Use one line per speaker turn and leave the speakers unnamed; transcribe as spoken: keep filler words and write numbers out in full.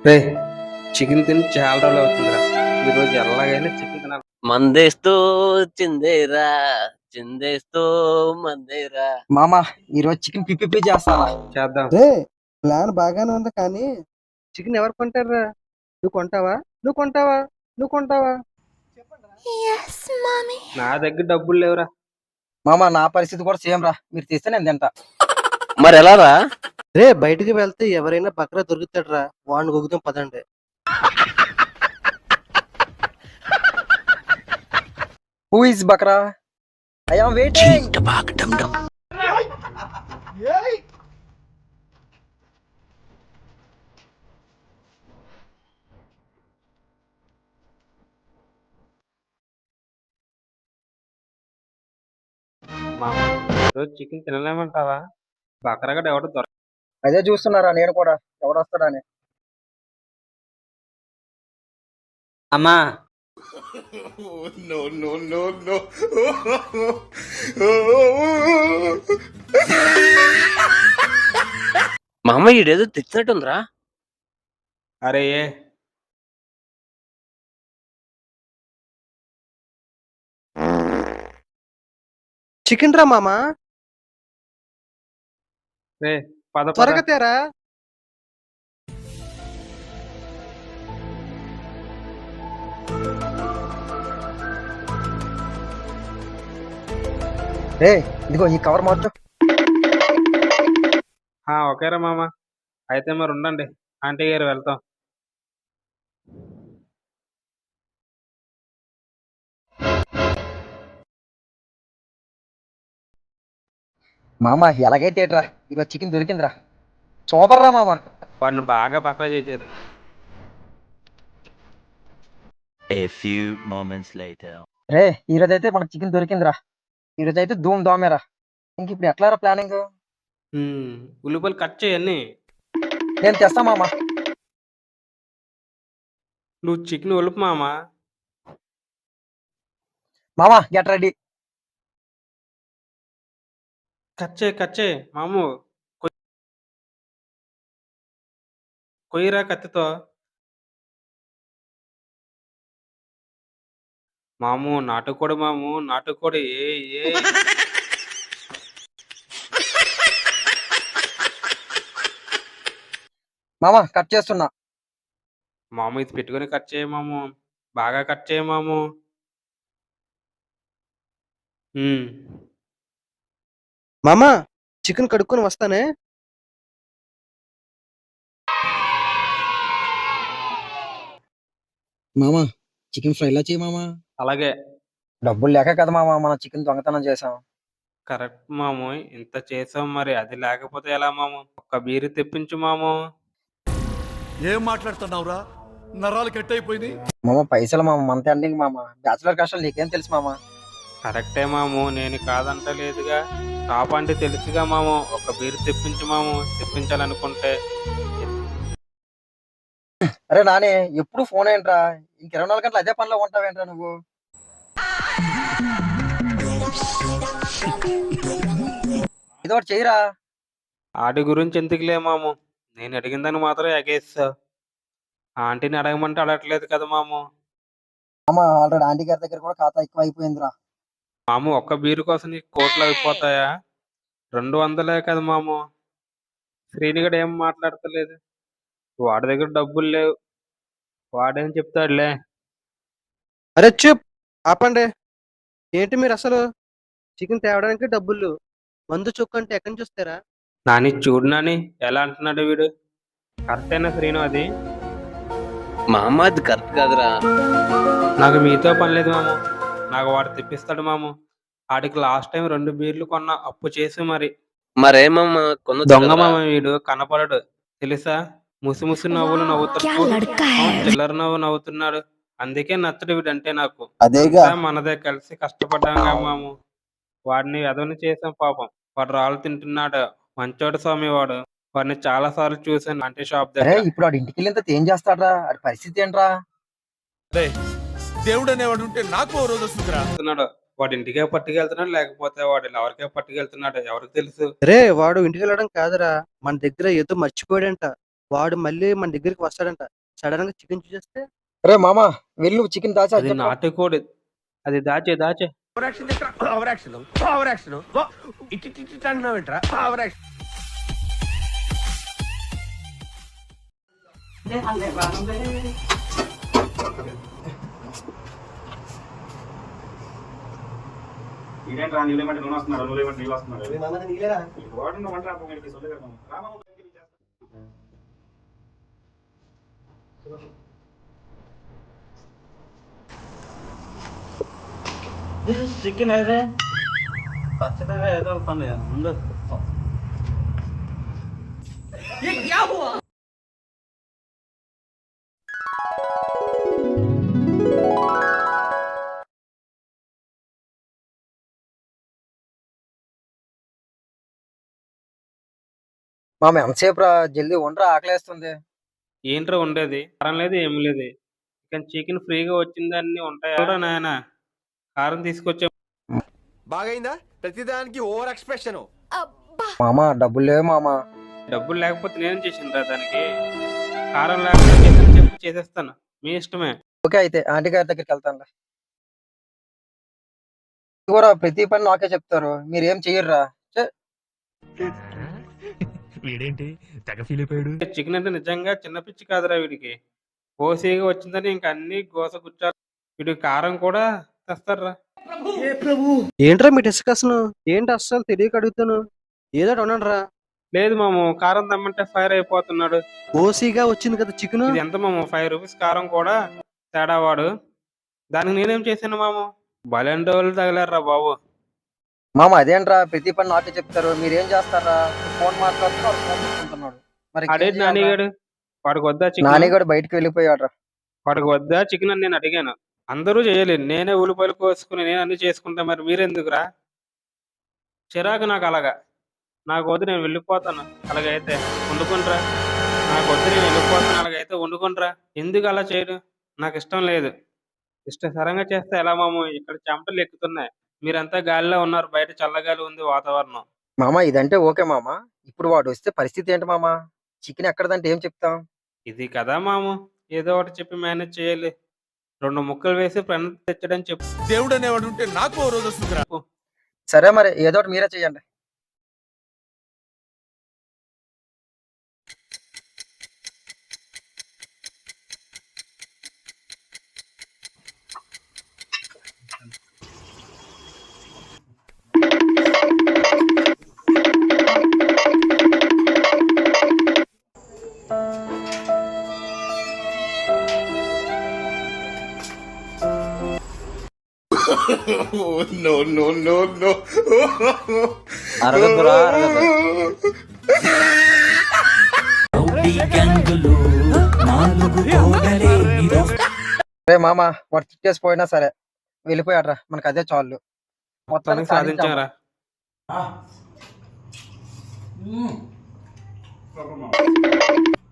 రే chicken తిని చాలా రోజులు అవుతుందిరా. ఈ రోజు ఎలాగైనా చికెన్ తినాలి.
మందేస్తూ చిందేరా చిందేస్తూ మందేరా.
మామ ఈరోజు చికెన్ పిప్పి చేస్తారా?
చేద్దాం.
రే ప్లాన్ బాగానే ఉంది కానీ చికెన్ ఎవరు కొంటారా? నువ్వు కొంటావా నువ్వు కొంటావా నువ్వు కొంటావా?
Yes, mommy.
నా దగ్గర డబ్బులు లేవురా.
మామ నా పరిస్థితి కూడా సేమ్ రా, మీరు తీస్తే నేను తింటా.
మరి ఎలా రా?
రే బయటికి వెళ్తే ఎవరైనా బక్రా దొరుకుతాడరా, వాడిని గొగుతాం పదండి.
హూ ఇస్ బక్రా? I am waiting.
మామ ఈరోజు చికెన్ తినలేమంటావా? బకరగా ఎవడో దొరక.
అదే చూస్తున్నారా నేను కూడా, ఎవడొస్తాడా అని.
అమ్మా
no, no, no, no.
మా అమ్మ ఈడేదో తెచ్చినట్టుందిరా.
అరే ఏ
చికెన్ రా మామా,
రే పద పద.
త్వరగా తేరా.
రే ఇదిగో ఈ కవర్ మార్చు.
ఆ, ఓకేరా మామ. అయితే మరి ఉండండి, ఆంటీ గారు వెళ్తాం.
మామ ఎలాగైతే ఏట్రా, ఈరోజు చికెన్ దొరికిందిరా. సూపర్ రా మామ.
వాడిని బాగా పక్కన చేశారు.
A few moments later.
రే ఈరోజు అయితే మనకు చికెన్ దొరికిందిరా. ఈరోజు అయితే ధూమ్ ధామేరా. ఇంక ఇప్పుడు ఎట్లా రా ప్లానింగ్?
ఉమ్, ఉల్లిపాయలు కట్ చేయన్ని.
నేను తెస్తా మామ.
నువ్వు చికెన్ ఉలుపు మామ.
మామ గెట్ రెడీ.
కట్ చేయి కట్ చేయి మాము. కొయ్- కొయ్యరా కత్తితో. మాము నాటుకోడి మాము, నాటుకోడి. ఏ ఏ
మామ కట్ చేస్తున్నా.
మాము ఇది పెట్టుకొని కట్ చేయ మాము. బాగా కట్ చేయ మాము. ఉమ్,
మామా చికెన్ కడుక్కొని వస్తానే.
మామ చికెన్ ఫ్రైలా చేయి మామ.
అలాగే.
డబ్బులు లేక కదా మామ మనం చికెన్ దొంగతనం చేసాం.
కరెక్ట్ మాము. ఇంత చేసాం, మరి అది లేకపోతే ఎలా మాము? ఒక్క బీరు తెప్పించు మాము.
ఏం మాట్లాడుతున్నావురా? నరాలు కట్ అయిపోయినాయి.
మామ పైసలు మామ, మంత్ ఎండింగ్ మామ. బ్యాచులర్ కష్టాలు నీకేం తెలుసు మామ.
కరెక్టే మాము, నేను కాదంటలేదుగా. టాప్ అంటే తెలుసుగా మాము. ఒక బీరు తెప్పించు మాము, తెప్పించాలనుకుంటే.
అరే నానే ఎప్పుడు ఫోన్ ఏంట్రా? ఇంక ఇరవై నాలుగు గంటలు అదే పనిలో ఉంటావేంట్రా నువ్వు? ఇది ఒకటి చెయ్యరా.
ఆడి గురించి ఎందుకులే మాము, నేను అడిగిందని మాత్రం ఎగేస్తావు. ఆంటీని అడగమంటే అడగట్లేదు కదా మాము.
మామ ఆల్రెడీ ఆంటీ గారి దగ్గర కూడా ఖాతా ఎక్కువ అయిపోయిందిరా.
మాము ఒక్క బీరు కోసం నీకు కోట్లు అయిపోతాయా? రెండు వందలే కదా మాము. శ్రీనిగడు ఏం మాట్లాడతలేదు. వాడి దగ్గర డబ్బులు లేవు. వాడేం చెప్తాడులే.
అరే చూప్, ఆపండి. ఏంటి మీరు అసలు? చికెన్ తేవడానికి డబ్బులు, మందు చొక్కు అంటే ఎక్కడి నుంచి వస్తారా?
నాని చూడు నాని, ఎలా అంటున్నాడు వీడు. కరెక్టేనా శ్రీను అది?
మా అమ్మ అది కరెక్ట్ కాదురా.
నాకు మీతో పని లేదు మాము. నాకు వాడు తెప్పిస్తాడు మాము. ఆడికి లాస్ట్ టైం రెండు బీర్లు కొన్న అప్పు చేసి మరి.
మరేమమ్మ కొన్న
దొంగ మామ వీడు, కనపడడు తెలుసా. ముసి ముసి నవ్వులు
क्या
నవ్వుతాడు.
लड़का है.
చిల్లర నవ్వు నవ్వుతున్నాడు. అందుకే నచ్చడు వీడంటే నాకు.
అదేగా
అంతా మనదే, కలిసి కష్టపడ్డాంగా మాము. వాడిని ఎదవని చేసాం పాపం. వాడు రాళ్ళు తింటున్నాడు. మంచోడు స్వామి వాడు. వాడిని చాలా సార్లు చూసాను అంటే షాప్
అరే
దగ్గర.
ఇప్పుడు వాడు ఇంటికి వెళ్ళినంత ఏం చేస్తాడ్రా? అది పరిస్థితి ఏంట్రా?
దేవుడు అనేవాడు ఉంటే నాకు ఓ రోజు వస్తుందిరా.
వెళ్తున్నాడు. వాడి ఇంటికే పట్టుకెళ్తున్నాడు, లేకపోతే వాడు ఎవరికే పట్టుకెళ్తున్నాడు ఎవరికి తెలుసు.
రే వాడు ఇంటికి వెళ్ళడం కాదురా, మన దగ్గర ఏదో మర్చిపోయాడంట. వాడు మళ్ళీ మన దగ్గరికి వస్తాడంట. సడన్ గా చికెన్ చూసేస్తే
రే మామ వెళ్ళి నువ్వు చికెన్ దాచి
అది నాటుకోడి. అది దాచే దాచే
చికెన్ అయితే ఖచ్చితంగా ఏదో పని ముందు
మామ ఎంతసేపు రా జల్దీ వండరా ఆకలేస్తుంది.
ఏంట్రా ఉండేది? కారం లేదు ఏం లేదు. కానీ చికెన్ ఫ్రీగా వచ్చిందని ఉంటాయా నాయన? కారం తీసుకొచ్చే
బాగైందా? ప్రతిదానికి ఓవర్ ఎక్స్ప్రెషన్.
మామ డబ్బులు లేవు మామ.
డబ్బులు లేకపోతే నేనేం చేసిండ్రా దానికి? కారం లేకపోతే చేసాను చెప్పి చేసేస్తాను. మీ ఇష్టమే.
ఓకే అయితే ఆంటీ గారి దగ్గరికి వెళ్తాను. ఇదిగోరా ప్రతి పని నాకే చెప్తారు, మీరేం చెయ్యర్రా.
వీడేంటి తెగ ఫీల్ అయిపోయాడు.
చికెన్ అంటే నిజంగా చిన్న పిచ్చి కాదురా వీడికి. ఓసీగా వచ్చిందని ఇంక అన్ని గోస గుచ్చారు. వీడికి కారం కూడా తెస్తారా?
ఏంట్రా మీ డిస్కషన్? ఏంటి అస్సలు తెలియక అడుగుతాను. ఏదో ఒకటి రా.
లేదు మాము, కారం తెమ్మంటే ఫైర్ అయిపోతున్నాడు.
ఓసీగా వచ్చింది కదా చికెన్.
ఇది ఎంత మాము? ఫైవ్ రూపీస్ కారం కూడా తేడా వాడు. దానికి నేనేం చేశాను మాము? బలెండ వాళ్ళు తగిలారా బాబు.
మామ అదేంట్రా ప్రతి పని నాకే చెప్తారు, మీరేం చేస్తారా? ఫోన్ మాట్లాడుతున్నారు, ఫోన్ చూసుకుంటున్నాడు. మరి
అడేది నానిగాడు. వాడికి వద్దా చికెన్?
నానిగాడు బయటకు వెళ్ళిపోయాడు.
వాడికి వద్దా చికెన్ అని నేను అడిగాను. అందరూ చేయలేదు, నేనే ఉల్లిపాయలు కోసుకుని నేను అన్ని చేసుకుంటా. మరి మీరెందుకురా? చిరాకు నాకు అలాగా. నాకు వద్దు, నేను వెళ్ళిపోతాను. అలాగైతే వండుకుంట్రా. నాకు వద్దు, నేను వెళ్ళిపోతాను. అలాగైతే వండుకుంట్రా. ఎందుకు అలా చేయడు? నాకు ఇష్టం లేదు. ఇష్టసరంగా చేస్తే ఎలా మాము? ఇక్కడ చెమటలు ఎక్కుతున్నాయి. మీరంతా గాలిలో ఉన్నారు, బయట చల్లగాలి ఉంది వాతావరణం.
మామ ఇదంటే ఓకే మామ. ఇప్పుడు వాడు వస్తే పరిస్థితి ఏంటి మామ? చికెన్ ఎక్కడదంటే ఏం చెప్తాం?
ఇది కదా మాము, ఏదో ఒకటి చెప్పి మేనేజ్ చేయాలి. రెండు ముక్కలు వేసి ప్రణతి తెచ్చడని చెప్పు.
దేవుడు అనేవాడు ఉంటే నాకు ఓ రోజు వస్తుందిరా.
సరే మరి ఏదో ఒకటి మీరే చెయ్యండి.
No no no no.
అరగదురా అరగదు.
రే మామ వాడు తిట్టేసిపోయినా సరే వెళ్ళిపోయాడ్రా, మనకు అదే చాలు. మొత్తానికి సాధించాం.
సాధించారా?